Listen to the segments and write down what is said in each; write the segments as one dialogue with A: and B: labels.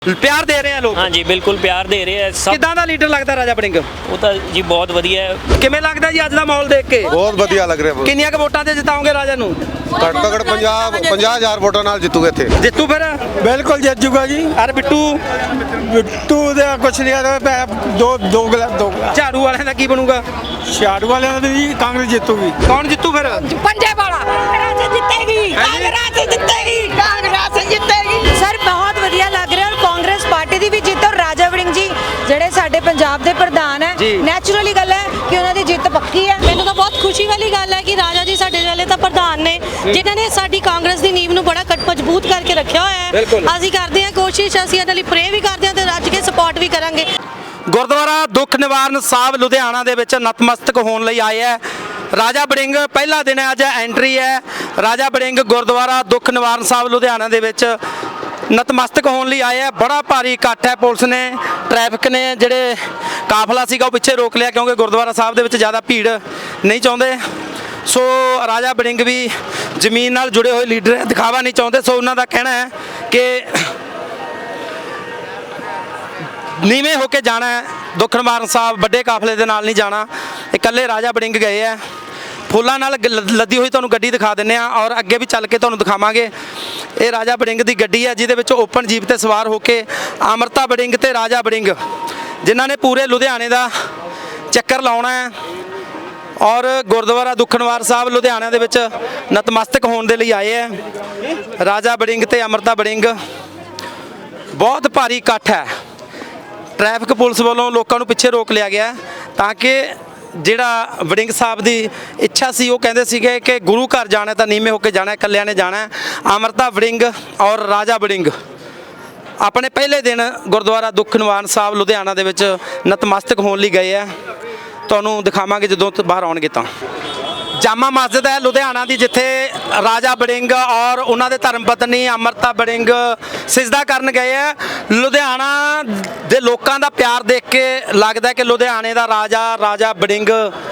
A: ਪਿਆਰ ਦੇ ਰਹੇ ਆ ਲੋਕ।
B: ਹਾਂਜੀ ਬਿਲਕੁਲ ਪਿਆਰ ਦੇ ਰਹੇ ਆ ਸਭ।
A: ਕਿੱਦਾਂ ਦਾ ਲੀਡਰ ਲੱਗਦਾ ਰਾਜਾ ਵੜਿੰਗ?
B: ਉਹ ਤਾਂ ਜੀ ਬਹੁਤ ਵਧੀਆ ਹੈ।
A: ਕਿਵੇਂ ਲੱਗਦਾ ਜੀ ਅੱਜ ਦਾ ਮਾਹੌਲ ਦੇਖ ਕੇ?
C: ਬਹੁਤ ਵਧੀਆ ਲੱਗ ਰਿਹਾ।
A: ਕਿੰਨੀਆਂ ਕੁ ਵੋਟਾਂ ਤੇ ਜਿਤਾਓਗੇ ਰਾਜਾ ਨੂੰ?
C: ਘੱਟ ਤੋਂ ਘੱਟ 50,000 ਵੋਟਾਂ ਨਾਲ ਜਿੱਤੂਗੇ ਇੱਥੇ।
A: ਜਿੱਤੂ ਫਿਰ?
D: ਬਿਲਕੁਲ ਜਿੱਤ ਜੂਗਾ ਜੀ।
A: ਅਰ ਬਿੱਟੂ?
D: ਬਿੱਟੂ ਦਾ ਕੁਛ ਨਹੀਂ ਆ ਦੋ ਗਲਾ
A: ਝਾੜੂ ਵਾਲਿਆਂ ਦਾ ਕੀ ਬਣੂਗਾ?
D: ਝਾੜੂ ਵਾਲਿਆਂ ਦਾ ਵੀ ਕਾਂਗਰਸ ਜਿੱਤੂਗੀ।
A: ਕੌਣ ਜਿੱਤੂ ਫਿਰ?
E: पंजाब वाला कांग्रेस जितेगी, कांग्रेस जितेगी, कांग्रेस जितेगी।
F: ਸਰ ਬਹੁਤ ਵਧੀਆ ਲੱਗ ਰਿਹਾ ਔਰ ਕਾਂਗਰਸ ਪਾਰਟੀ ਦੀ ਵੀ ਜਿੱਤ ਔਰ ਰਾਜਾ ਵੜਿੰਗ ਜੀ ਜਿਹੜੇ ਸਾਡੇ ਪੰਜਾਬ ਦੇ ਪ੍ਰਧਾਨ ਹੈ
A: ਜੀ।
F: ਨੈਚੁਰਲੀ ਗੱਲ ਹੈ ਕਿ ਉਹਨਾਂ ਦੀ ਜਿੱਤ ਪੱਕੀ ਹੈ।
G: ਮੈਨੂੰ ਤਾਂ ਬਹੁਤ ਖੁਸ਼ੀ ਵਾਲੀ ਗੱਲ ਹੈ ਕਿ ਰਾਜਾ ਜੀ ਸਾਡੇ ਵਾਲੇ ਤਾਂ ਪ੍ਰਧਾਨ ਨੇ ਜਿਨ੍ਹਾਂ ਨੇ ਸਾਡੀ ਕਾਂਗਰਸ ਦੀ ਨੀਂਵ ਨੂੰ ਬੜਾ ਮਜ਼ਬੂਤ ਕਰਕੇ ਰੱਖਿਆ ਹੋਇਆ
A: ਬਿਲਕੁਲ।
G: ਹੈ। ਅਸੀਂ ਕਰਦੇ ਹਾਂ ਕੋਸ਼ਿਸ਼, ਅਸੀਂ ਇਹਨਾਂ ਲਈ ਪ੍ਰੇ ਵੀ ਕਰਦੇ ਹਾਂ ਤੇ ਰੱਜ ਕੇ ਸਪੋਰਟ ਵੀ ਕਰਾਂਗੇ।
A: ਗੁਰਦੁਆਰਾ ਦੁੱਖ ਨਿਵਾਰਨ ਸਾਹਿਬ ਲੁਧਿਆਣਾ ਦੇ ਵਿੱਚ ਨਤਮਸਤਕ ਹੋਣ ਲਈ ਆਏ ਹੈ ਰਾਜਾ ਵੜਿੰਗ। ਪਹਿਲਾ ਦਿਨ ਹੈ ਅੱਜ, ਐਂਟਰੀ ਹੈ ਰਾਜਾ ਵੜਿੰਗ ਗੁਰਦੁਆਰਾ ਦੁੱਖ ਨਿਵਾਰਨ ਸਾਹਿਬ ਲੁਧਿਆਣਾ ਦੇ ਵਿੱਚ ਨਤਮਸਤਕ ਹੋਣ ਲਈ ਆਏ ਹੈ। ਬੜਾ ਭਾਰੀ ਇਕੱਠ ਹੈ। ਪੁਲਿਸ ਨੇ, ਟ੍ਰੈਫਿਕ ਨੇ ਜਿਹੜੇ ਕਾਫਲਾ ਸੀਗਾ ਉਹ ਪਿੱਛੇ ਰੋਕ ਲਿਆ ਕਿਉਂਕਿ ਗੁਰਦੁਆਰਾ ਸਾਹਿਬ ਦੇ ਵਿੱਚ ਜ਼ਿਆਦਾ ਭੀੜ ਨਹੀਂ ਚਾਹੁੰਦੇ। ਸੋ ਰਾਜਾ ਵੜਿੰਗ ਵੀ ਜ਼ਮੀਨ ਨਾਲ ਜੁੜੇ ਹੋਏ ਲੀਡਰ ਹੈ, ਦਿਖਾਵਾ ਨਹੀਂ ਚਾਹੁੰਦੇ। ਸੋ ਉਹਨਾਂ ਦਾ ਕਹਿਣਾ ਹੈ ਕਿ ਨੀਵੇਂ ਹੋ ਕੇ ਜਾਣਾ ਹੈ ਦੁੱਖ ਨਿਵਾਰਨ ਸਾਹਿਬ, ਵੱਡੇ ਕਾਫਲੇ ਦੇ ਨਾਲ ਨਹੀਂ ਜਾਣਾ। ਇਕੱਲੇ ਰਾਜਾ ਵੜਿੰਗ ਗਏ ਹੈ। ਫੁੱਲਾਂ ਨਾਲ ਲੱਦੀ ਹੋਈ ਤੁਹਾਨੂੰ ਗੱਡੀ ਦਿਖਾ ਦਿੰਦੇ ਆ ਔਰ ਅੱਗੇ ਵੀ ਚੱਲ ਕੇ ਤੁਹਾਨੂੰ ਦਿਖਾਵਾਂਗੇ। ਇਹ ਰਾਜਾ ਵੜਿੰਗ ਦੀ ਗੱਡੀ ਹੈ ਜਿਹਦੇ ਵਿੱਚ ਓਪਨ ਜੀਪ ਤੇ ਸਵਾਰ ਹੋ ਕੇ ਅਮਰਤਾ ਵੜਿੰਗ ਤੇ ਰਾਜਾ ਵੜਿੰਗ ਜਿਨ੍ਹਾਂ ਨੇ ਪੂਰੇ ਲੁਧਿਆਣੇ ਦਾ ਚੱਕਰ ਲਾਉਣਾ ਹੈ ਔਰ ਗੁਰਦੁਆਰਾ ਦੁੱਖ ਨਿਵਾਰਨ ਸਾਹਿਬ ਲੁਧਿਆਣਾ ਦੇ ਵਿੱਚ ਨਤਮਸਤਕ ਹੋਣ ਦੇ ਲਈ ਆਏ ਹੈ। ਰਾਜਾ ਵੜਿੰਗ ਤੇ ਅਮਰਤਾ ਵੜਿੰਗ, ਬਹੁਤ ਭਾਰੀ ਇਕੱਠ ਹੈ। ਟ੍ਰੈਫਿਕ ਪੁਲਿਸ ਵੱਲੋਂ ਲੋਕਾਂ ਨੂੰ ਪਿੱਛੇ ਰੋਕ ਲਿਆ ਗਿਆ ਤਾਂ ਕਿ ਜਿਹੜਾ ਵੜਿੰਗ ਸਾਹਿਬ ਦੀ ਇੱਛਾ ਸੀ, ਉਹ ਕਹਿੰਦੇ ਸੀਗੇ ਕਿ ਗੁਰੂ ਘਰ ਜਾਣਾ ਤਾਂ ਨੀਵੇਂ ਹੋ ਕੇ ਜਾਣਾ, ਇਕੱਲਿਆਂ ਨੇ ਜਾਣਾ। ਅਮਰਤਾ ਵੜਿੰਗ ਔਰ ਰਾਜਾ ਵੜਿੰਗ ਆਪਣੇ ਪਹਿਲੇ ਦਿਨ ਗੁਰਦੁਆਰਾ ਦੁੱਖ ਨਿਵਾਰਨ ਸਾਹਿਬ ਲੁਧਿਆਣਾ ਦੇ ਵਿੱਚ ਨਤਮਸਤਕ ਹੋਣ ਲਈ ਗਏ ਆ। ਤੁਹਾਨੂੰ ਦਿਖਾਵਾਂਗੇ ਜਦੋਂ ਬਾਹਰ ਆਉਣਗੇ ਤਾਂ। ਜਾਮਾ ਮਸਜਿਦ ਹੈ ਲੁਧਿਆਣਾ ਦੀ ਜਿੱਥੇ ਰਾਜਾ ਵੜਿੰਗ ਔਰ ਉਹਨਾਂ ਦੇ ਧਰਮ ਪਤਨੀ ਅਮਰਤਾ ਵੜਿੰਗ ਸਿਜਦਾ ਕਰਨ ਗਏ ਹੈ। ਲੁਧਿਆਣਾ ਦੇ ਲੋਕਾਂ ਦਾ ਪਿਆਰ ਦੇਖ ਕੇ ਲੱਗਦਾ ਕਿ ਲੁਧਿਆਣੇ ਦਾ ਰਾਜਾ ਵੜਿੰਗ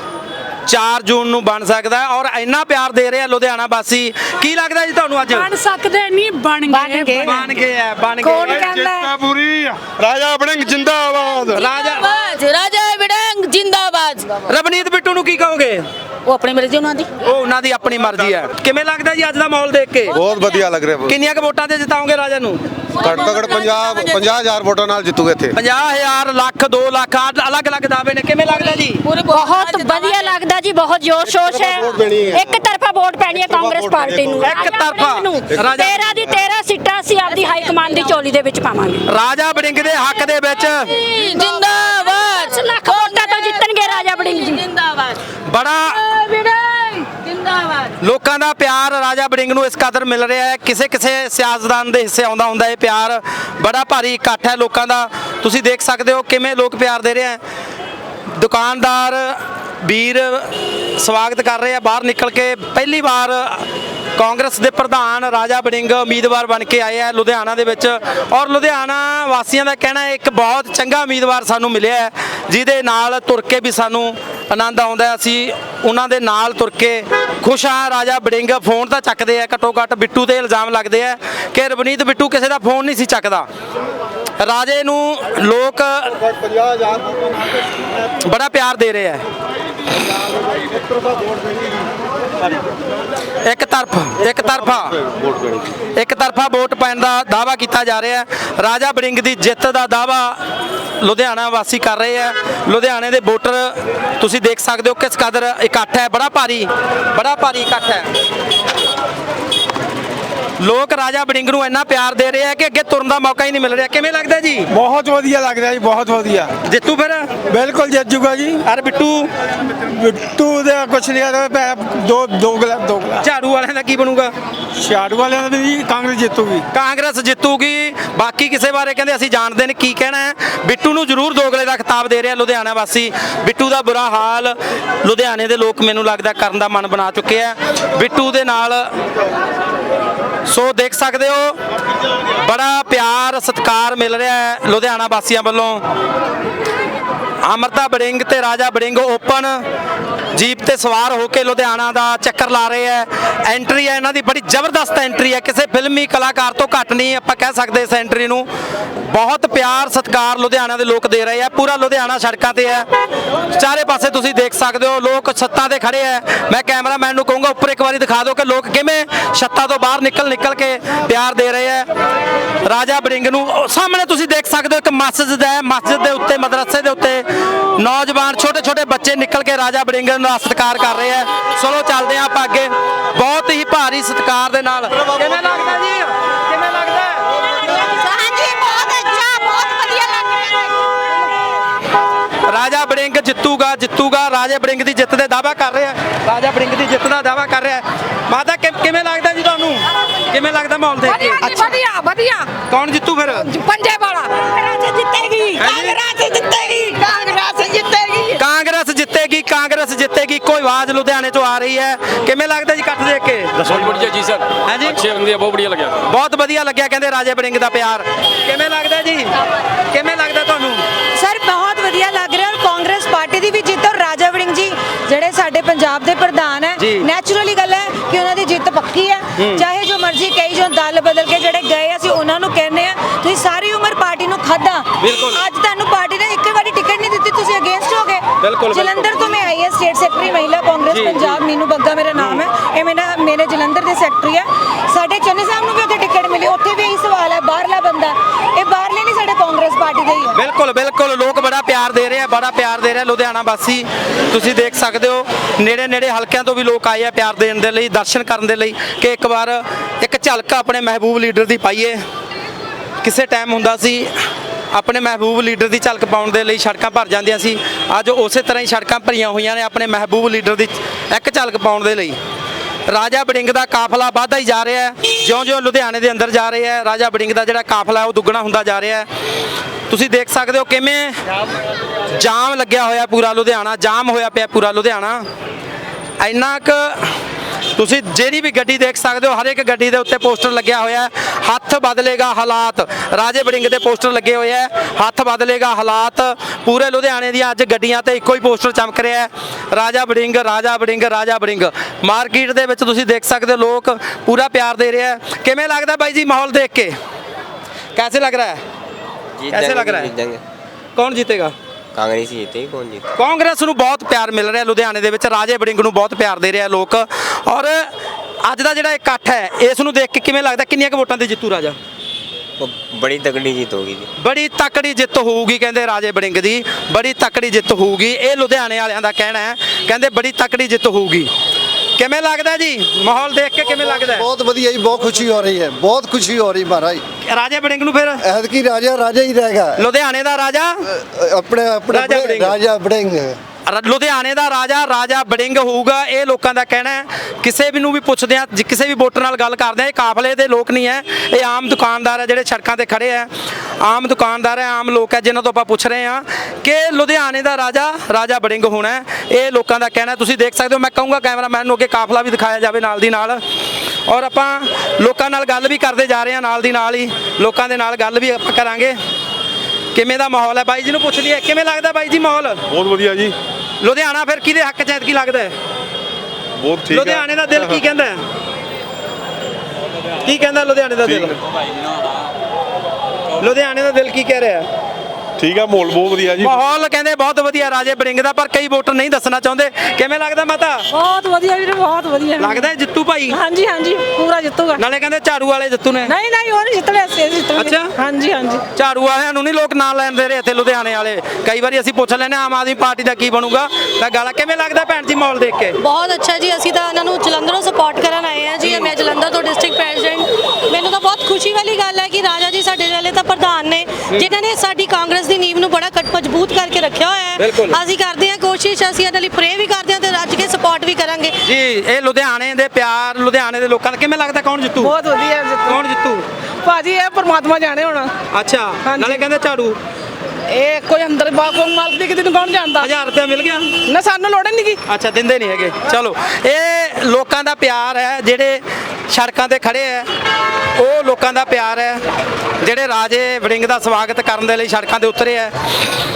A: 4 ਜੂਨ ਨੂੰ ਬਣ ਸਕਦਾ ਔਰ ਇੰਨਾ ਪਿਆਰ ਦੇ ਰਹੇ ਆ ਲੁਧਿਆਣਾ ਵਾਸੀ। ਕੀ ਲੱਗਦਾ ਜੀ ਤੁਹਾਨੂੰ ਅੱਜ?
E: बन सकते नहीं, बन गए।
A: ਬਣ ਗਏ ਆ, ਬਣ
F: ਕੌਣ
A: ਗਏ।
F: ਕਹਿੰਦਾ ਹੈ?
D: ਪੂਰੀ ਰਾਜਾ ਵੜਿੰਗ ਜਿੰਦਾਬਾਦ।
E: राजा विडंग जिंदाबाद।
A: ਰਵਨੀਤ ਬਿੱਟੂ ਨੂੰ ਕੀ ਕਹੋਗੇ?
E: वो अपनी मर्जी उन्होंने
A: ਉਹ ਉਹਨਾਂ ਦੀ ਆਪਣੀ ਮਰਜ਼ੀ ਹੈ। ਕਿਵੇਂ ਲੱਗਦਾ ਜੀ ਅੱਜ ਦਾ ਮਾਹੌਲ ਦੇਖ ਕੇ?
C: ਬਹੁਤ ਵਧੀਆ ਲੱਗ ਰਿਹਾ।
A: ਕਿੰਨੀਆਂ ਕੁ ਵੋਟਾਂ ਤੇ ਜਿਤਾਓਗੇ ਰਾਜਾ ਨੂੰ?
C: ਘੱਟ ਤੋਂ ਘੱਟ 50,000 ਵੋਟਾਂ ਨਾਲ ਜਿੱਤੂਗੇ ਇੱਥੇ।
A: 50,000, ਲੱਖ, 2 ਲੱਖ ਅਲੱਗ-ਅਲੱਗ ਦਾਅਵੇ ਨੇ। ਕਿਵੇਂ ਲੱਗਦਾ ਜੀ?
H: ਬਹੁਤ ਵਧੀਆ ਲੱਗਦਾ ਜੀ, ਬਹੁਤ ਜੋਸ਼ ਸ਼ੋਸ਼ ਹੈ। ਇੱਕ ਤਰਫਾ ਵੋਟ ਪੈਣੀ ਹੈ ਕਾਂਗਰਸ ਪਾਰਟੀ ਨੂੰ।
A: ਇੱਕ ਤਰਫਾ।
H: 13 ਦੀ 13 ਸੀਟਾਂ ਅਸੀਂ ਆਪਦੀ ਹਾਈ ਕਮਾਂਡ ਦੀ ਝੋਲੀ ਦੇ ਵਿੱਚ ਪਾਵਾਂਗੇ।
A: ਰਾਜਾ ਵੜਿੰਗ ਦੇ ਹੱਕ ਦੇ ਵਿੱਚ
E: जिंदाबाद।
H: 10 ਲੱਖ ਵੋਟਾਂ ਤੋਂ ਜਿੱਤਣਗੇ ਰਾਜਾ ਵੜਿੰਗ ਜੀ।
E: जिंदाबाद।
A: ਬੜਾ
E: विडंग जिंदाबाद।
A: ਲੋਕਾਂ ਦਾ ਪਿਆਰ ਰਾਜਾ ਵੜਿੰਗ ਨੂੰ ਇਸ ਕਦਰ ਮਿਲ ਰਿਹਾ ਹੈ। ਕਿਸੇ ਸਿਆਸਤਦਾਨ ਦੇ ਹਿੱਸੇ ਆਉਂਦਾ ਹੁੰਦਾ ਇਹ ਪਿਆਰ। ਬੜਾ ਭਾਰੀ ਇਕੱਠ ਹੈ ਲੋਕਾਂ ਦਾ। ਤੁਸੀਂ ਦੇਖ ਸਕਦੇ ਹੋ ਕਿਵੇਂ ਲੋਕ ਪਿਆਰ ਦੇ ਰਹੇ ਹੈ। ਦੁਕਾਨਦਾਰ ਵੀਰ ਸਵਾਗਤ ਕਰ ਰਹੇ ਆ ਬਾਹਰ ਨਿਕਲ ਕੇ। ਪਹਿਲੀ ਵਾਰ ਕਾਂਗਰਸ ਦੇ ਪ੍ਰਧਾਨ ਰਾਜਾ ਵੜਿੰਗ ਉਮੀਦਵਾਰ ਬਣ ਕੇ ਆਏ ਆ ਲੁਧਿਆਣਾ ਦੇ ਵਿੱਚ ਔਰ ਲੁਧਿਆਣਾ ਵਾਸੀਆਂ ਦਾ ਕਹਿਣਾ ਹੈ ਇੱਕ ਬਹੁਤ ਚੰਗਾ ਉਮੀਦਵਾਰ ਸਾਨੂੰ ਮਿਲਿਆ ਹੈ ਜਿਹਦੇ ਨਾਲ ਤੁਰ ਕੇ ਵੀ ਸਾਨੂੰ ਆਨੰਦ ਆਉਂਦਾ ਹੈ। ਅਸੀਂ ਉਹਨਾਂ ਦੇ ਨਾਲ ਤੁਰ ਕੇ ਖੁਸ਼ ਹਾਂ। ਰਾਜਾ ਵੜਿੰਗ ਫੋਨ ਤਾਂ ਚੱਕਦੇ ਆ, ਘੱਟੋ ਘੱਟ ਬਿੱਟੂ ਤੇ ਇਲਜ਼ਾਮ ਲੱਗਦੇ ਆ ਕਿ ਰਵਨੀਤ ਬਿੱਟੂ ਕਿਸੇ ਦਾ ਫੋਨ ਨਹੀਂ ਸੀ ਚੱਕਦਾ। ਰਾਜੇ ਨੂੰ ਲੋਕ ਬੜਾ ਪਿਆਰ ਦੇ ਰਹੇ ਆ। ਇੱਕ ਤਰਫਾ ਵੋਟ ਪੈਣ ਦਾ ਦਾਅਵਾ ਕੀਤਾ ਜਾ ਰਿਹਾ ਹੈ। ਰਾਜਾ ਵੜਿੰਗ ਦੀ ਜਿੱਤ ਦਾ ਦਾਅਵਾ ਲੁਧਿਆਣਾ ਵਾਸੀ ਕਰ ਰਹੇ ਆ। ਲੁਧਿਆਣੇ ਦੇ ਵੋਟਰ ਤੁਸੀਂ ਦੇਖ ਸਕਦੇ ਹੋ ਕਿਸ ਕਦਰ ਇਕੱਠ ਹੈ। ਬੜਾ ਭਾਰੀ ਇਕੱਠ ਹੈ। ਲੋਕ ਰਾਜਾ ਵੜਿੰਗ ਨੂੰ ਇੰਨਾ ਪਿਆਰ ਦੇ ਰਹੇ ਆ ਕਿ ਅੱਗੇ ਤੁਰਨ ਦਾ ਮੌਕਾ ਹੀ ਨਹੀਂ ਮਿਲ ਰਿਹਾ। ਕਿਵੇਂ ਲੱਗਦਾ ਜੀ?
D: ਬਹੁਤ ਵਧੀਆ ਲੱਗਦਾ ਜੀ, ਬਹੁਤ ਵਧੀਆ।
A: ਜਿੱਤੂ ਫਿਰ?
D: ਬਿਲਕੁਲ ਜਿੱਤ ਜੂਗਾ ਜੀ।
A: ਅਰ ਬਿੱਟੂ?
D: ਬਿੱਟੂ ਦਾ ਕੁਛ ਨਹੀਂ ਆ ਦੋ ਗਲਾ
A: ਝਾੜੂ ਵਾਲਿਆਂ ਦਾ ਕੀ ਬਣੂਗਾ?
D: ਝਾੜੂ ਵਾਲਿਆਂ ਦਾ ਵੀ ਕਾਂਗਰਸ ਜਿੱਤੂਗੀ।
A: ਕਾਂਗਰਸ ਜਿੱਤੂਗੀ। ਬਾਕੀ ਕਿਸੇ ਬਾਰੇ ਕਹਿੰਦੇ ਅਸੀਂ ਜਾਣਦੇ ਨੇ ਕੀ ਕਹਿਣਾ ਹੈ। ਬਿੱਟੂ ਨੂੰ ਜ਼ਰੂਰ ਦੋਗਲੇ ਦਾ ਖਿਤਾਬ ਦੇ ਰਿਹਾ ਲੁਧਿਆਣਾ ਵਾਸੀ। ਬਿੱਟੂ ਦਾ ਬੁਰਾ ਹਾਲ ਲੁਧਿਆਣੇ ਦੇ ਲੋਕ ਮੈਨੂੰ ਲੱਗਦਾ ਕਰਨ ਦਾ ਮਨ ਬਣਾ ਚੁੱਕੇ ਆ ਬਿੱਟੂ ਦੇ ਨਾਲ। ਸੋ ਦੇਖ ਸਕਦੇ ਹੋ ਬੜਾ ਪਿਆਰ ਸਤਿਕਾਰ ਮਿਲ ਰਿਹਾ ਹੈ ਲੁਧਿਆਣਾ ਵਾਸੀਆਂ ਵੱਲੋਂ। ਅਮਰਤਾ ਵੜਿੰਗ ਤੇ ਰਾਜਾ ਵੜਿੰਗ ਓਪਨ ਜੀਪ ਤੇ ਸਵਾਰ ਹੋ ਕੇ ਲੁਧਿਆਣਾ ਦਾ ਚੱਕਰ ਲਾ ਰਹੇ ਹੈ। ਐਂਟਰੀ ਹੈ ਇਹਨਾਂ ਦੀ ਬੜੀ ਜ਼ਬਰਦਸਤ ਐਂਟਰੀ ਹੈ, ਕਿਸੇ ਫਿਲਮੀ ਕਲਾਕਾਰ ਤੋਂ ਘੱਟ ਨਹੀਂ ਆਪਾਂ ਕਹਿ ਸਕਦੇ ਇਸ ਐਂਟਰੀ ਨੂੰ। ਬਹੁਤ ਪਿਆਰ ਸਤਿਕਾਰ ਲੁਧਿਆਣਾ ਦੇ ਲੋਕ ਦੇ ਰਹੇ ਆ। ਪੂਰਾ ਲੁਧਿਆਣਾ ਸੜਕਾਂ ਤੇ ਹੈ, ਚਾਰੇ ਪਾਸੇ ਤੁਸੀਂ ਦੇਖ ਸਕਦੇ ਹੋ ਲੋਕ ਛੱਤਾਂ ਤੇ ਖੜੇ ਹੈ। ਮੈਂ ਕੈਮਰਾਮੈਨ ਨੂੰ ਕਹੂੰਗਾ ਉੱਪਰ ਇੱਕ ਵਾਰੀ ਦਿਖਾ ਦਿਓ ਕਿ ਲੋਕ ਕਿਵੇਂ ਛੱਤਾਂ ਤੋਂ ਬਾਹਰ ਨਿਕਲ ਕੇ ਪਿਆਰ ਦੇ ਰਹੇ ਹੈ ਰਾਜਾ ਵੜਿੰਗ ਨੂੰ। ਉਹ ਸਾਹਮਣੇ ਤੁਸੀਂ ਦੇਖ ਸਕਦੇ ਹੋ ਇੱਕ ਮਸਜਿਦ ਹੈ, ਮਸਜਿਦ ਦੇ ਉੱਤੇ ਮਦਰਸੇ ਦੇ ਉੱਤੇ ਨੌਜਵਾਨ ਛੋਟੇ ਬੱਚੇ ਨਿਕਲ ਕੇ ਰਾਜਾ ਵੜਿੰਗ ਦਾ ਸਤਿਕਾਰ ਕਰ ਰਹੇ ਹੈ। ਚਲੋ ਚੱਲਦੇ ਹਾਂ ਆਪਾਂ ਅੱਗੇ। ਬਹੁਤ ਹੀ ਭਾਰੀ ਸਤਿਕਾਰ ਦੇ ਨਾਲ ਕਿਵੇਂ ਲੱਗਦਾ ਜੀ, ਕਿਵੇਂ ਲੱਗਦਾ
E: ਹਾਂਜੀ ਬਹੁਤ ਅੱਛਾ, ਬਹੁਤ ਵਧੀਆ ਲੱਗ ਰਿਹਾ।
A: ਰਾਜਾ ਵੜਿੰਗ ਜਿੱਤੂਗਾ ਰਾਜਾ ਵੜਿੰਗ ਦੀ ਜਿੱਤ ਦੇ ਦਾਅਵਾ ਕਰ ਰਿਹਾ ਰਾਜਾ ਵੜਿੰਗ ਦੀ ਜਿੱਤ ਦਾ ਦਾਅਵਾ ਕਰ ਰਿਹਾ। ਮਾਤਾ ਕਿਵੇਂ ਲੱਗਦਾ ਜੀ ਤੁਹਾਨੂੰ, ਕਿਵੇਂ ਲੱਗਦਾ ਮਾਹੌਲ ਦੇਖ ਕੇ?
E: ਵਧੀਆ ਵਧੀਆ।
A: ਕੌਣ ਜਿੱਤੂ ਫਿਰ?
E: ਪੰਜੇ ਵਾਲਾ ਕਾਂਗਰਸ ਜਿੱਤੇਗੀ, ਕਾਂਗਰਸ ਜਿੱਤੇਗੀ, ਕਾਂਗਰਸ ਜਿੱਤੇਗੀ,
A: ਕਾਂਗਰਸ ਜਿੱਤੇਗੀ। ਕੋਈ ਆਵਾਜ਼ ਲੁਧਿਆਣੇ ਤੋਂ ਆ ਰਹੀ ਹੈ। ਕਿਵੇਂ ਲੱਗਦਾ ਜੀ ਇਕੱਠ ਦੇਖ ਕੇ?
I: बहुत बढ़िया जी सर,
A: हाँ जी?
I: अच्छे बंदे बहुत बढ़िया लगे।
A: ਬਹੁਤ ਵਧੀਆ ਲੱਗਿਆ ਕਹਿੰਦੇ ਰਾਜੇ ਵੜਿੰਗ ਦਾ ਪਿਆਰ। ਕਿਵੇਂ ਲੱਗਦਾ ਜੀ, ਕਿਵੇਂ ਲੱਗਦਾ ਤੁਹਾਨੂੰ?
F: ਸਰ ਬਹੁਤ ਵਧੀਆ ਲੱਗ ਰਿਹਾ ਔਰ ਕਾਂਗਰਸ ਪਾਰਟੀ ਦੀ ਵੀ ਜਿੱਤ ਔਰ ਰਾਜਾ ਵੜਿੰਗ ਜੀ ਜਿਹੜੇ ਸਾਡੇ ਪੰਜਾਬ ਦੇ ਪ੍ਰਧਾਨ ਹੈ,
A: ਜੀ।
F: ਨੈਚੁਰਲੀ ਗੱਲ ਹੈ ਕਿ ਉਹਨਾਂ ਦੀ ਜਿੱਤ ਪੱਕੀ ਹੈ। ਚਾਹੇ ਜੋ ਮਰਜ਼ੀ ਕਹੀ ਜੋ ਦਲ ਬਦਲ ਕੇ ਜਿਹੜੇ ਗਏ ਅਸੀਂ ਉਹਨਾਂ ਨੂੰ ਕਹਿੰਦੇ ਆ ਤੁਸੀਂ ਸਾਰੀ ਉਮਰ ਪਾਰਟੀ ਨੂੰ ਖਾਧਾ।
A: ਬਿਲਕੁਲ।
F: ਅੱਜ ਤੁਹਾਨੂੰ ਪਾਰਟੀ ਨੇ ਇੱਕ ਵਾਰੀ ਟਿਕਟ ਨਹੀਂ ਦਿੱਤੀ, ਤੁਸੀਂ ਅਗੇਂਸਟ ਹੋ ਗਏ।
A: ਬਿਲਕੁਲ।
F: ਜਲੰਧਰ ਤੋਂ ਮੈਂ ਆਈ ਹਾਂ, ਸਟੇਟ ਸੈਕਟਰੀ ਮਹਿਲਾ ਕਾਂਗਰਸ
A: ਜੀ,
F: ਪੰਜਾਬ, ਮੀਨੂ ਬੱਗਾ ਮੇਰਾ ਨਾਮ ਹੈ। ਇਹ ਮੇਰੇ ਜਲੰਧਰ ਦੇ ਸੈਕਟਰੀ ਹੈ। ਸਾਡੇ ਚੰਨੀ ਸਾਹਿਬ ਨੂੰ ਵੀ ਉੱਥੇ ਟਿਕਟ ਮਿਲੀ, ਉੱਥੇ ਵੀ ਇਹੀ ਸਵਾਲ ਹੈ ਬਾਹਰਲਾ ਬੰਦਾ। ਇਹ ਬਾਹਰਲੇ ਨਹੀਂ, ਸਾਡੇ ਕਾਂਗਰਸ ਪਾਰਟੀ ਦੇ ਹੀ ਹੈ।
A: ਬਿਲਕੁਲ ਲੋਕ ਬੜਾ ਪਿਆਰ ਦੇ ਰਹੇ ਆ, ਬੜਾ ਪਿਆਰ ਦੇ ਰਿਹਾ ਲੁਧਿਆਣਾ ਵਾਸੀ। ਤੁਸੀਂ ਦੇਖ ਸਕਦੇ ਹੋ ਨੇੜੇ ਹਲਕਿਆਂ ਤੋਂ ਵੀ ਲੋਕ ਆਏ ਆ ਪਿਆਰ ਦੇਣ ਦੇ ਲਈ, ਦਰਸ਼ਨ ਕਰਨ ਦੇ ਲਈ ਕਿ ਇੱਕ ਵਾਰ ਇੱਕ ਝਲਕ ਆਪਣੇ ਮਹਿਬੂਬ ਲੀਡਰ ਦੀ ਪਾਈਏ। ਕਿਸੇ ਟਾਈਮ ਹੁੰਦਾ ਸੀ ਆਪਣੇ ਮਹਿਬੂਬ ਲੀਡਰ ਦੀ ਝਲਕ ਪਾਉਣ ਦੇ ਲਈ ਸੜਕਾਂ ਭਰ ਜਾਂਦੀਆਂ ਸੀ। ਅੱਜ ਉਸੇ ਤਰ੍ਹਾਂ ਹੀ ਸੜਕਾਂ ਭਰੀਆਂ ਹੋਈਆਂ ਨੇ ਆਪਣੇ ਮਹਿਬੂਬ ਲੀਡਰ ਦੀ ਇੱਕ ਝਲਕ ਪਾਉਣ ਦੇ ਲਈ। ਰਾਜਾ ਵੜਿੰਗ ਦਾ ਕਾਫਲਾ ਵੱਧਦਾ ਹੀ ਜਾ ਰਿਹਾ ਹੈ, ਜਿਉਂ-ਜਿਉਂ ਲੁਧਿਆਣੇ ਦੇ ਅੰਦਰ ਜਾ ਰਹੇ ਹੈ ਰਾਜਾ ਵੜਿੰਗ ਦਾ ਜਿਹੜਾ ਕਾਫਲਾ ਉਹ ਦੁੱਗਣਾ ਹੁੰਦਾ ਜਾ ਰਿਹਾ ਹੈ। ਤੁਸੀਂ ਦੇਖ ਸਕਦੇ ਹੋ ਕਿਵੇਂ ਜਾਮ ਲੱਗਿਆ ਹੋਇਆ, ਪੂਰਾ ਲੁਧਿਆਣਾ ਜਾਮ ਹੋਇਆ ਪਿਆ, ਪੂਰਾ ਲੁਧਿਆਣਾ ਇੰਨਾ ਕੁ। ਤੁਸੀਂ ਜਿਹੜੀ ਵੀ ਗੱਡੀ ਦੇਖ ਸਕਦੇ ਹੋ, ਹਰ ਇੱਕ ਗੱਡੀ ਦੇ ਉੱਤੇ ਪੋਸਟਰ ਲੱਗਿਆ ਹੋਇਆ ਹੈ, ਹੱਥ ਬਦਲੇਗਾ ਹਾਲਾਤ। ਰਾਜੇ ਵੜਿੰਗ ਦੇ ਪੋਸਟਰ ਲੱਗੇ ਹੋਏ ਹੈ, ਹੱਥ ਬਦਲੇਗਾ ਹਾਲਾਤ। ਪੂਰੇ ਲੁਧਿਆਣੇ ਦੀਆਂ ਅੱਜ ਗੱਡੀਆਂ ਤੇ ਇੱਕੋ ਹੀ ਪੋਸਟਰ ਚਮਕ ਰਿਹਾ ਹੈ, ਰਾਜਾ ਵੜਿੰਗ, ਰਾਜਾ ਵੜਿੰਗ, ਰਾਜਾ ਵੜਿੰਗ। ਮਾਰਕੀਟ ਦੇ ਵਿੱਚ ਤੁਸੀਂ ਦੇਖ ਸਕਦੇ ਹੋ ਲੋਕ ਪੂਰਾ ਪਿਆਰ ਦੇ ਰਹੇ ਹੈ। ਕਿਵੇਂ ਲੱਗਦਾ ਬਾਈ ਜੀ ਮਾਹੌਲ ਦੇਖ ਕੇ? कैसे लग रहा है, कैसे लग रहा है? कौन जीतेगा?
J: ਕਾਂਗਰਸ ਜਿੱਤੇ, ਕੌਣ ਜਿੱਤੇ?
A: ਕਾਂਗਰਸ ਨੂੰ ਬਹੁਤ ਪਿਆਰ ਮਿਲ ਰਿਹਾ ਲੁਧਿਆਣੇ ਦੇ ਵਿੱਚ, ਰਾਜੇ ਵੜਿੰਗ ਨੂੰ ਬਹੁਤ ਪਿਆਰ ਦੇ ਰਿਹਾ ਲੋਕ। ਔਰ ਅੱਜ ਦਾ ਜਿਹੜਾ ਇਕੱਠ ਹੈ ਇਸ ਨੂੰ ਦੇਖ ਕੇ ਕਿਵੇਂ ਲੱਗਦਾ, ਕਿੰਨੀਆਂ ਕੁ ਵੋਟਾਂ ਤੇ ਜਿੱਤੂ ਰਾਜਾ?
J: ਬੜੀ ਤਕੜੀ ਜਿੱਤ ਹੋਗੀ ਜੀ,
A: ਬੜੀ ਤਕੜੀ ਜਿੱਤ ਹੋਊਗੀ ਕਹਿੰਦੇ ਰਾਜੇ ਵੜਿੰਗ ਦੀ, ਬੜੀ ਤਕੜੀ ਜਿੱਤ ਹੋਊਗੀ। ਇਹ ਲੁਧਿਆਣੇ ਵਾਲਿਆਂ ਦਾ ਕਹਿਣਾ ਹੈ, ਕਹਿੰਦੇ ਬੜੀ ਤਕੜੀ ਜਿੱਤ ਹੋਊਗੀ। ਕਿਵੇਂ ਲੱਗਦਾ ਜੀ ਮਾਹੌਲ ਦੇਖ ਕੇ, ਕਿਵੇਂ ਲੱਗਦਾ?
K: ਬਹੁਤ ਵਧੀਆ ਜੀ, ਬਹੁਤ ਖੁਸ਼ੀ ਹੋ ਰਹੀ ਹੈ, ਬਹੁਤ ਖੁਸ਼ੀ ਹੋ ਰਹੀ ਮਹਾਰਾਜ।
A: ਰਾਜੇ ਵੜਿੰਗ ਨੂੰ ਫਿਰ
K: ਐਤਕੀ ਰਾਜਾ ਹੀ ਰਹੇਗਾ,
A: ਲੁਧਿਆਣੇ ਦਾ ਰਾਜਾ,
K: ਆਪਣੇ ਰਾਜਾ ਵੜਿੰਗ।
A: ਲੁਧਿਆਣੇ ਦਾ ਰਾਜਾ ਵੜਿੰਗ ਹੋਊਗਾ, ਇਹ ਲੋਕਾਂ ਦਾ ਕਹਿਣਾ ਹੈ। ਕਿਸੇ ਵੀ ਨੂੰ ਵੀ ਪੁੱਛਦੇ ਆ, ਕਿਸੇ ਵੀ ਵੋਟਰ ਨਾਲ ਗੱਲ ਕਰਦੇ ਆ, ਇਹ ਕਾਫਲੇ ਦੇ ਲੋਕ ਨਹੀਂ ਹੈ, ਇਹ ਆਮ ਦੁਕਾਨਦਾਰ ਹੈ ਜਿਹੜੇ ਸੜਕਾਂ ਤੇ ਖੜੇ ਆ, ਆਮ ਦੁਕਾਨਦਾਰ ਹੈ, ਆਮ ਲੋਕ ਹੈ ਜਿਨ੍ਹਾਂ ਤੋਂ ਆਪਾਂ ਪੁੱਛ ਰਹੇ ਆ ਕਿ ਲੁਧਿਆਣੇ ਦਾ ਰਾਜਾ ਵੜਿੰਗ ਹੋਣਾ ਹੈ। ਇਹ ਲੋਕਾਂ ਦਾ ਕਹਿਣਾ ਤੁਸੀਂ ਦੇਖ ਸਕਦੇ ਹੋ। ਮੈਂ ਕਹੂੰਗਾ ਕੈਮਰਾਮੈਨ ਨੂੰ ਅੱਗੇ ਕਾਫਲਾ ਵੀ ਦਿਖਾਇਆ ਜਾਵੇ ਨਾਲ ਦੀ ਨਾਲ, ਔਰ ਆਪਾਂ ਲੋਕਾਂ ਨਾਲ ਗੱਲ ਵੀ ਕਰਦੇ ਜਾ ਰਹੇ ਹਾਂ, ਨਾਲ ਦੀ ਨਾਲ ਹੀ ਲੋਕਾਂ ਦੇ ਨਾਲ ਗੱਲ ਵੀ ਆਪਾਂ ਕਰਾਂਗੇ। ਕਿਵੇਂ ਦਾ ਮਾਹੌਲ ਹੈ ਬਾਈ ਜੀ ਨੂੰ ਪੁੱਛ ਲਈਏ, ਕਿਵੇਂ ਲੱਗਦਾ ਬਾਈ ਜੀ ਮਾਹੌਲ?
L: ਬਹੁਤ ਵਧੀਆ ਜੀ।
A: ਲੁਧਿਆਣਾ ਫਿਰ ਕਿਹਦੇ ਹੱਕ 'ਚ ਐਤਕੀ ਲੱਗਦਾ ਹੈ?
L: ਬਹੁਤ ਠੀਕ ਹੈ।
A: ਲੁਧਿਆਣੇ ਦਾ ਦਿਲ ਕੀ ਕਹਿੰਦਾ ਹੈ? ਕੀ ਕਹਿੰਦਾ ਲੁਧਿਆਣੇ ਦਾ ਦਿਲ? ਲੁਧਿਆਣੇ ਦਾ ਦਿਲ ਕੀ ਕਹਿ ਰਿਹਾ?
L: ਠੀਕ ਹੈ, ਮਾਹੌਲ ਬਹੁਤ ਵਧੀਆ ਜੀ।
A: ਮਾਹੌਲ ਕਹਿੰਦੇ ਬਹੁਤ ਵਧੀਆ ਰਾਜੇ ਵੜਿੰਗ ਦਾ, ਪਰ ਕਈ ਵੋਟਰ ਨਹੀਂ ਦੱਸਣਾ ਚਾਹੁੰਦੇ। ਕਿਵੇਂ ਲੱਗਦਾ ਮਾਤਾ?
M: ਬਹੁਤ ਵਧੀਆ ਵੀਰੇ, ਬਹੁਤ ਵਧੀਆ
A: ਲੱਗਦਾ ਜਿੱਤੂ ਭਾਈ?
M: ਹਾਂਜੀ ਪੂਰਾ ਜਿੱਤੂਗਾ।
A: ਨਾਲੇ ਕਹਿੰਦੇ ਝਾੜੂ ਵਾਲੇ ਜਿੱਤੂ ਨੇ।
M: ਨਹੀਂ ਉਹ ਨਹੀਂ ਜਿੱਤਣੇ, ਅਸੀਂ ਜਿੱਤਾਂਗੇ।
A: ਅੱਛਾ,
M: ਹਾਂਜੀ
A: ਝਾੜੂ ਵਾਲਿਆਂ ਨੂੰ ਨਹੀਂ ਲੋਕ ਨਾਂ ਲੈਣ ਦੇ ਰਹੇ ਇੱਥੇ ਲੁਧਿਆਣੇ ਵਾਲੇ। ਕਈ ਵਾਰੀ ਅਸੀਂ ਪੁੱਛ ਲੈਂਦੇ ਆਮ ਆਦਮੀ ਪਾਰਟੀ ਦਾ ਕੀ ਬਣੂਗਾ ਤਾਂ ਗਾਲਾਂ। ਕਿਵੇਂ ਲੱਗਦਾ ਭੈਣ ਜੀ ਮਾਹੌਲ ਦੇਖ ਕੇ?
G: ਬਹੁਤ ਅੱਛਾ ਜੀ, ਅਸੀਂ ਤਾਂ ਇਹਨਾਂ ਨੂੰ ਜਲੰਧਰੋਂ ਸਪੋਰਟ ਕਰਨ ਆਏ ਹਾਂ ਜੀ। ਮੈਂ ਜਲੰਧਰ ਤੋਂ ਡਿਸਟ੍ਰਿਕਟ ਪ੍ਰੈਜ਼ੀਡੈਂਟ। ਮੈਨੂੰ ਤਾਂ ਬਹੁਤ ਖੁਸ਼ੀ ਵਾਲੀ ਗੱਲ ਹੈ ਕਿ ਰਾਜਾ ਜੀ ਸਾਡੇ ਵਾਲੇ ਤਾਂ ਪ੍ਰਧਾਨ ਨੇ, ਜਿਨ੍ਹਾਂ ਨੇ ਸਾਡੀ ਕਾਂਗਰਸ ਦੀ ਨੀਂਵ ਨੂੰ ਬੜਾ ਮਜ਼ਬੂਤ ਕਰਕੇ ਰੱਖਿਆ ਹੋਇਆ ਹੈ। ਅਸੀਂ ਕਰਦੇ ਹਾਂ ਕੋਸ਼ਿਸ਼, ਅਸੀਂ ਇਹਨਾਂ ਲਈ ਪ੍ਰੇ ਵੀ ਕਰਦੇ ਹਾਂ ਤੇ ਰੱਜ ਕੇ ਸਪੋਰਟ ਵੀ ਕਰਾਂਗੇ
A: ਜੀ। ਇਹ ਲੁਧਿਆਣੇ ਦੇ ਪਿਆਰ, ਲੁਧਿਆਣੇ ਦੇ ਲੋਕਾਂ ਦਾ ਕਿਵੇਂ ਲੱਗਦਾ, ਕੌਣ ਜਿੱਤੂ?
M: ਬਹੁਤ ਵਧੀਆ।
A: ਕੌਣ ਜਿੱਤੂ
M: ਭਾਜੀ ਇਹ ਪਰਮਾਤਮਾ ਜਾਣੇ ਹੋਣਾ।
A: ਅੱਛਾ, ਨਾਲੇ ਕਹਿੰਦੇ ਝਾੜੂ
M: ਇਹ ਕੋਈ ਅੰਦਰ ਕੋਲ ਮਾਲਕ ਦੀ ਕਿਤੇ ਨੂੰ ਕੌਣ ਜਾਣਦਾ।
A: 1000 ਰੁਪਏ ਮਿਲ ਗਿਆ
M: ਨਾ, ਸਾਨੂੰ ਲੋੜ ਨਹੀਂ ਗੀ।
A: ਅੱਛਾ, ਦਿੰਦੇ ਨਹੀਂ ਹੈਗੇ। ਚਲੋ, ਇਹ ਲੋਕਾਂ ਦਾ ਪਿਆਰ ਹੈ ਜਿਹੜੇ ਸੜਕਾਂ ਤੇ ਖੜੇ ਹੈ, ਉਹ ਲੋਕਾਂ ਦਾ ਪਿਆਰ ਹੈ ਜਿਹੜੇ ਰਾਜੇ ਵੜਿੰਗ ਦਾ ਸਵਾਗਤ ਕਰਨ ਦੇ ਲਈ ਸੜਕਾਂ ਤੇ ਉਤਰੇ ਹੈ।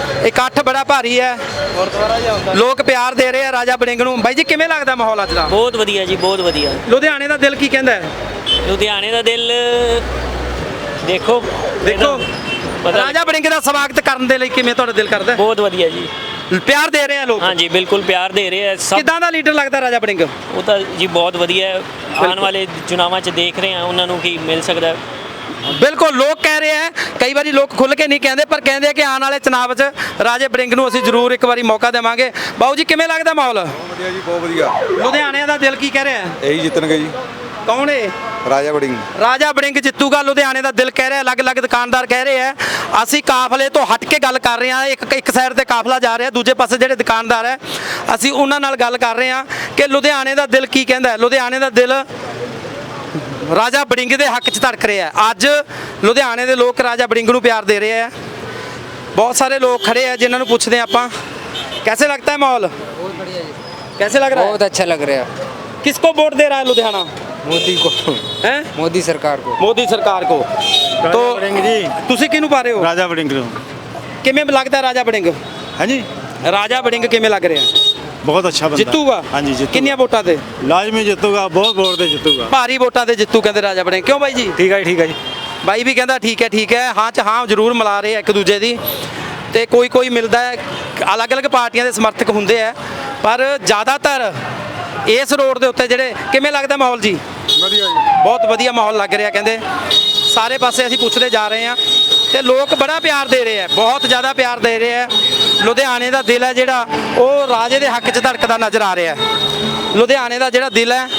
A: ਇਕੱਠ ਬੜਾ ਭਾਰੀ ਹੈ, ਲੋਕ ਪਿਆਰ ਦੇ ਰਹੇ ਆ ਰਾਜਾ ਵੜਿੰਗ ਨੂੰ। ਬਾਈ ਜੀ ਕਿਵੇਂ ਲੱਗਦਾ ਮਾਹੌਲ ਅੱਜ ਦਾ?
B: ਬਹੁਤ ਵਧੀਆ ਜੀ, ਬਹੁਤ ਵਧੀਆ।
A: ਲੁਧਿਆਣੇ ਦਾ ਦਿਲ ਕੀ ਕਹਿੰਦਾ ਹੈ?
B: ਲੁਧਿਆਣੇ ਦਾ ਦਿਲ ਦੇਖੋ ਪਤਾ
A: ਰਾਜਾ ਵੜਿੰਗ ਦਾ ਸਵਾਗਤ ਕਰਨ ਦੇ ਲਈ ਕਿਵੇਂ ਤੁਹਾਡਾ ਦਿਲ ਕਰਦਾ ਹੈ?
B: ਬਹੁਤ ਵਧੀਆ ਜੀ,
A: ਪਿਆਰ ਦੇ ਰਹੇ ਆ ਲੋਕ।
B: ਹਾਂਜੀ ਬਿਲਕੁਲ ਪਿਆਰ ਦੇ ਰਹੇ ਆ ਸਭ।
A: ਕਿੱਦਾਂ ਦਾ ਲੀਡਰ ਲੱਗਦਾ ਰਾਜਾ ਵੜਿੰਗ?
B: ਉਹ ਤਾਂ ਜੀ ਬਹੁਤ ਵਧੀਆ ਹੈ। ਆਉਣ ਵਾਲੇ ਚੁਣਾਵਾਂ 'ਚ ਦੇਖ ਰਹੇ ਆ ਉਹਨਾਂ ਨੂੰ ਕੀ ਮਿਲ ਸਕਦਾ ਹੈ।
A: ਬਿਲਕੁਲ ਲੋਕ ਕਹਿ ਰਹੇ ਆ, ਕਈ ਵਾਰੀ ਲੋਕ ਖੁੱਲ ਕੇ ਨਹੀਂ ਕਹਿੰਦੇ, ਪਰ ਕਹਿੰਦੇ ਆ ਕਿ ਆਉਣ ਵਾਲੇ ਚੁਣਾਵ 'ਚ ਰਾਜੇ ਵੜਿੰਗ ਨੂੰ ਅਸੀਂ ਜ਼ਰੂਰ ਇੱਕ ਵਾਰੀ ਮੌਕਾ ਦੇਵਾਂਗੇ। ਬਾਊ ਜੀ ਕਿਵੇਂ ਲੱਗਦਾ ਮਾਹੌਲ?
C: ਵਧੀਆ ਜੀ, ਬਹੁਤ ਵਧੀਆ।
A: ਲੁਧਿਆਣੇ ਦਾ ਦਿਲ ਕੀ ਕਹਿ ਰਿਹਾ?
C: ਇਹੀ ਜਿੱਤਣਗੇ ਜੀ।
A: ਕੌਣ ਏ?
C: ਰਾਜਾ ਵੜਿੰਗ।
A: ਰਾਜਾ ਵੜਿੰਗ ਜਿੱਤੂਗਾ। ਲੁਧਿਆਣੇ ਦਾ ਦਿਲ ਕਹਿ ਰਿਹਾ, ਅਲੱਗ-ਅਲੱਗ ਦੁਕਾਨਦਾਰ ਕਹਿ ਰਹੇ ਆ। ਅਸੀਂ ਕਾਫਲੇ ਤੋਂ ਹਟ ਕੇ ਗੱਲ ਕਰ ਰਹੇ ਹਾਂ। ਇੱਕ ਸਾਈਡ ਤੇ ਕਾਫਲਾ ਜਾ ਰਿਹਾ, ਦੂਜੇ ਪਾਸੇ ਜਿਹੜੇ ਦੁਕਾਨਦਾਰ ਹੈ ਅਸੀਂ ਉਹਨਾਂ ਨਾਲ ਗੱਲ ਕਰ ਰਹੇ ਹਾਂ ਕਿ ਲੁਧਿਆਣੇ ਦਾ ਦਿਲ ਕੀ ਕਹਿੰਦਾ ਹੈ। ਲੁਧਿਆਣੇ ਦਾ ਦਿਲ ਰਾਜਾ ਵੜਿੰਗ ਦੇ ਹੱਕ 'ਚ ਧੜਕ ਰਿਹਾ ਹੈ। ਅੱਜ ਲੁਧਿਆਣੇ ਦੇ ਲੋਕ ਰਾਜਾ ਵੜਿੰਗ ਨੂੰ ਪਿਆਰ ਦੇ ਰਹੇ ਆ। ਬਹੁਤ ਸਾਰੇ ਲੋਕ ਖੜੇ ਆ ਜਿਨ੍ਹਾਂ ਨੂੰ ਪੁੱਛਦੇ ਆਪਾਂ कैसे लगता है माहौल? बहुत बढ़िया जी। कैसे लग रहा है?
N: बहुत अच्छा लग रहा है।
A: किसको वोट दे रहा है लुधियाना?
N: मोदी को
A: हैं?
N: मोदी सरकार को।
A: मोदी सरकार को। तो ਤੁਸੀਂ ਕਿਹਨੂੰ ਪਾ ਰਹੇ ਹੋ?
D: ਰਾਜਾ ਵੜਿੰਗ ਨੂੰ।
A: ਕਿਵੇਂ ਲੱਗਦਾ ਰਾਜਾ ਵੜਿੰਗ?
D: ਹਾਂਜੀ
A: ਰਾਜਾ ਵੜਿੰਗ ਕਿਵੇਂ ਲੱਗ ਰਿਹਾ?
D: ਬਹੁਤ ਅੱਛਾ ਬੰਦਾ।
A: ਜਿੱਤੂਗਾ?
D: ਹਾਂਜੀ ਜਿੱਤੂਗਾ।
A: ਕਿੰਨੀਆਂ ਵੋਟਾਂ ਤੇ?
D: ਲਾਜ਼ਮੀ ਜਿੱਤੂਗਾ, ਬਹੁਤ ਵੋਟ ਤੇ ਜਿੱਤੂਗਾ।
A: ਭਾਰੀ ਵੋਟਾਂ ਤੇ ਜਿੱਤੂ ਕਹਿੰਦੇ ਰਾਜਾ ਵੜਿੰਗ। ਕਿਉਂ ਬਾਈ ਜੀ?
D: ਠੀਕ ਹੈ ਜੀ।
A: ਬਾਈ ਵੀ ਕਹਿੰਦਾ ਠੀਕ ਹੈ ਹਾਂ ਚ ਹਾਂ ਜ਼ਰੂਰ ਮਿਲਾ ਰਹੇ ਆ ਇੱਕ ਦੂਜੇ ਦੀ। ਤੇ ਕੋਈ ਮਿਲਦਾ ਹੈ, ਅਲੱਗ-ਅਲੱਗ ਪਾਰਟੀਆਂ ਦੇ ਸਮਰਥਕ ਹੁੰਦੇ ਆ, ਪਰ ਜ਼ਿਆਦਾਤਰ ਇਸ ਰੋਡ ਦੇ ਉੱਤੇ ਜਿਹੜੇ ਕਿਵੇਂ ਲੱਗਦਾ ਮਾਹੌਲ ਜੀ?
C: ਵਧੀਆ ਜੀ,
A: ਬਹੁਤ ਵਧੀਆ ਮਾਹੌਲ ਲੱਗ ਰਿਹਾ ਕਹਿੰਦੇ। ਸਾਰੇ ਪਾਸੇ ਅਸੀਂ ਪੁੱਛਦੇ ਜਾ ਰਹੇ ਹਾਂ ਤੇ ਲੋਕ ਬੜਾ ਪਿਆਰ ਦੇ ਰਹੇ ਆ, ਬਹੁਤ ਜ਼ਿਆਦਾ ਪਿਆਰ ਦੇ ਰਹੇ ਆ। ਲੁਧਿਆਣੇ ਦਾ ਦਿਲ ਹੈ ਜਿਹੜਾ ਉਹ ਰਾਜੇ ਦੇ ਹੱਕ 'ਚ ਧੜਕਦਾ ਨਜ਼ਰ ਆ ਰਿਹਾ। ਲੁਧਿਆਣੇ ਦਾ ਜਿਹੜਾ ਦਿਲ ਹੈ